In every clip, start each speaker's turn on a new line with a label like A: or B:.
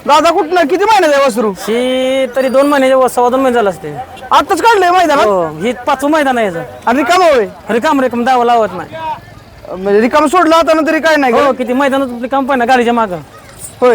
A: दादा कुठनं किती महिन्याचं आहे वासरू?
B: ही तरी 2 महिन्याच्या 2.5 महिने झाला असते.
A: आताच काढलंय मैदानात
B: हो ही 5वं मैदान आहे याचं.
A: आणि रिकाम होय
B: रिकाम दावा लावत नाही.
A: म्हणजे रिकाम सोडला होता ना तरी काय नाही का?
B: हो किती मैदानात रिकाम पण गाडीच्या मागं.
A: होय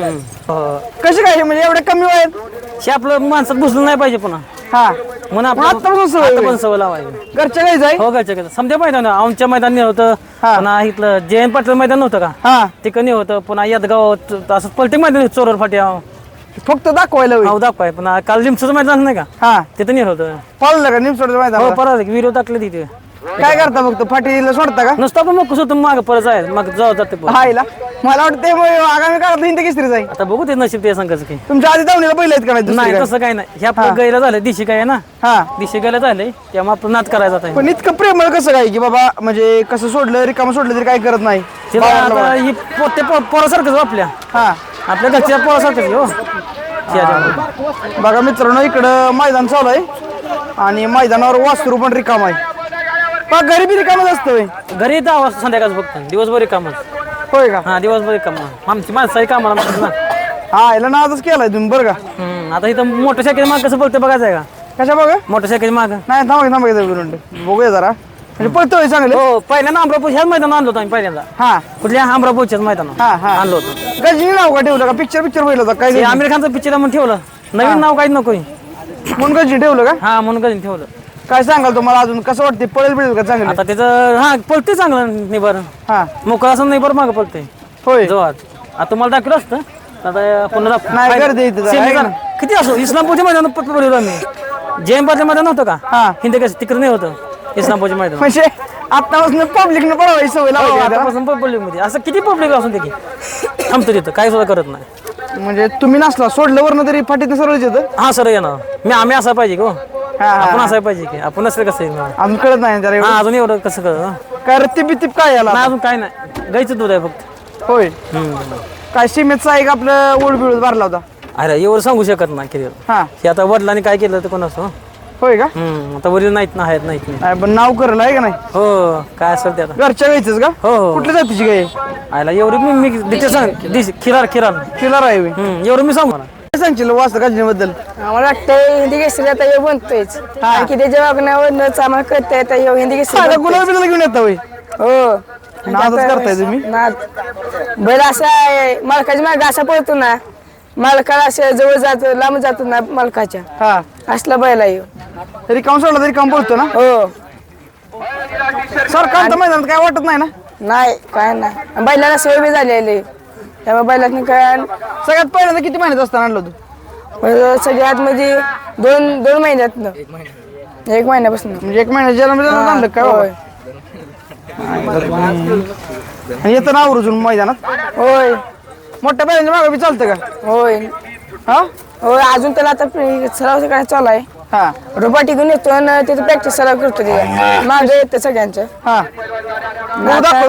B: हो
A: कशी काय हे म्हणजे एवढ्या कमी वयात?
B: हे आपलं माणसात घुसलं नाही पाहिजे पुन्हा
A: हा
B: म्हणून
A: आत्तापासून सवय
B: आता
A: होईल.
B: पण सवय लावायची.
A: घरच्या काही जाय
B: हो घरच्या घरच्या समजा मैदान आमच्या मैदान होतं.
A: हा.
B: पुन्हा इथलं जयंत पाटील मैदान नव्हतं का
A: हा
B: तिकडे होतं. पुन्हा यादगाव असं पलटे मैदान चोरवर फाट्या
A: फक्त दाखवायला होईल.
B: हो दाखवाय. पुन्हा काल लिमचं मैदान नाही का
A: हा
B: तिथं नाही होतं.
A: पाळलं का निमसोडचं मैदान?
B: हो परत व्हिडिओ टाकले तिथे.
A: काय करता फक्त फाटीला सोडता का?
B: नुसतं पण मग कसं माग परत आहे मग जाऊ जाते परत.
A: हायला मला वाटतं ते मग आगामी काळात हिंद केसरी जाईल.
B: आता बघू ते नशीब ते संघाचं की
A: तुमच्या आधी धावणीला पहिले आहेत का नाही दुसरी
B: नाही
A: काय?
B: तसं काही नाही. ह्या आपलं गैला झालं दिशी काय आहे ना
A: हा
B: दिशी गैला झालंय त्यामुळे आपलं नाद करायचा आता.
A: पण इतकं प्रेमळ कसं काय की बाबा म्हणजे कसं सोडलं रिकामं सोडलं तरी काय करत नाही?
B: तिला आता ही पोते पोरासारखंच हो आपल्या
A: हा
B: आपल्या घरच्या पोरासारखंच हो त्याच्यामुळे.
A: बघा मित्रांनो इकडं मैदान चालू आहे आणि मैदानावर वासरू पण रिकाम आहे. पण घरी बी रिकामच असतं होय?
B: घरी येतं आवाज संध्याकाळच फक्त दिवसभर कामच.
A: होय का?
B: हा दिवसभर काम आमची माणसाही कामाला ना.
A: हा याला नादच केलाय तुम्ही बरं का?
B: आता इथं मोटरसायकल माग कसं बोलते बघायचं आहे का
A: कशा बघा
B: मोटरसायकल माग.
A: नाही थांबा बघूया जरा म्हणजे पळतोय चांगले.
B: हो पहिल्यांदा अमरापूर ह्याच मैदान आणलो होतो आम्ही पहिल्यांदा.
A: हा
B: कुठल्या अमरापूरच्याच मैदान
A: हा हा
B: आणलो होतो.
A: गजनी नाव का ठेवलं का? पिक्चर पहिलं होता काय?
B: ते आमिर खानचं पिक्चर म्हणून ठेवलं. नवीन नाव काहीच नको.
A: म्हणून गजनी ठेवलं का?
B: हा म्हणून कधी ठेवलं.
A: काय सांगाल तुम्हाला अजून कसं वाटते पळेल बिळेल का चांगलं?
B: आता त्याचं हा पळते चांगलं निबर
A: हा
B: मोकळा असं निबर मागं पळते
A: होय
B: जोरात. आता तुम्हाला दाखवलं असतं आता पुन्हा
A: नाही, गर्दी इथं जरा, आहे ना?
B: किती असो इस्लामपूरच्या मैदानात पळलो आम्ही. जयंपाचं मैदान नव्हतं का
A: हा
B: हिंद कसं तिकडे नाही होतं इस्लामपूरच्या मैदान.
A: म्हणजे आतापासून पब्लिकनं पळवायची सवय लावायची आहे त्याला.
B: आतापासून पब्लिक मध्ये असं किती पब्लिक असून ते की थांबतो तिथं काही सुद्धा करत नाही.
A: म्हणजे तुम्ही नसला सोडलं वरनं तरी फाटीत सरळ येतं.
B: हा सर येणार आम्ही असा पाहिजे की हो.
A: हा
B: आपण
A: हा
B: असाय पाहिजे की आपण नसलं कसं येणार.
A: अजून कळत नाही त्याला एवढं.
B: हा अजून एवढं कसं कळत
A: काय रत्ती बित्तीप काय याला?
B: नाही अजून काय नाही गाईचं दूध आहे फक्त.
A: होय काय सीमेतचा एक आपलं ओढ बिळूत भरला होता.
B: अरे एवढं सांगू शकत नाही किती.
A: हा
B: हे आता वडिलांनी काय केलं तर कोण असं
A: होय का?
B: आता वडील नाहीत ना आहेत नाहीत नाही.
A: नाही, पण नाव करलं आहे का नाही?
B: हो काय असेल ते आता.
A: घरच्या गायचंच का?
B: हो हो
A: कुठल्या जातीची गाय?
B: आयला एवढी मी डिटेल सांग खिरार
A: किलर आहे होय.
B: एवढं मी सांगू ना.
A: काय सांगशील वासर गाजनीबद्दल?
C: आम्हाला वाटतं हिंदी केसरी आता हे बनतोयच. कारण की त्याच्या वागण्यावरच आम्हाला कळत आहे आता हिंदी केसरी
A: साधा
C: बनतोय.
A: गुलाब बिलाब घेऊन येता होय?
C: हो
A: नादच करताय तुम्ही.
C: नाद बैल असा आहे, मालकाच्या मागे असा पळतो ना मालकाला असं जवळ जातो लांब जातो ना मालकाच्या
A: हा
C: असला बैल आहे ह्यो.
A: तरी काम सोडला तरी काम पडतो ना.
C: हो
A: सरकार मैदानात काय वाटत नाही ना.
C: नाही काय नाही बैलाला सवय बी झालेली त्यामुळे बैलातनी काय
A: सगळ्यात पहिल्यांदा किती महिन्यात असताना आणलं तू?
C: बैल सगळ्यात म्हणजे दोन महिन्यातनं 1 महिन्यापासून.
A: म्हणजे 1 महिन्यात जन्म आणलं काय
C: होय
A: आणि येतं ना आवरून मैदानात
C: होय
A: मोठ्या बैलांच्या मागे बी चालतं का?
C: होय
A: हा
C: होय अजून त्याला आता सराव काय चालू आहे.
A: हा
C: रोबा टिकून येतो आणि तिथे प्रॅक्टिस सराव करतो मागे येतं सगळ्यांचं.
A: हा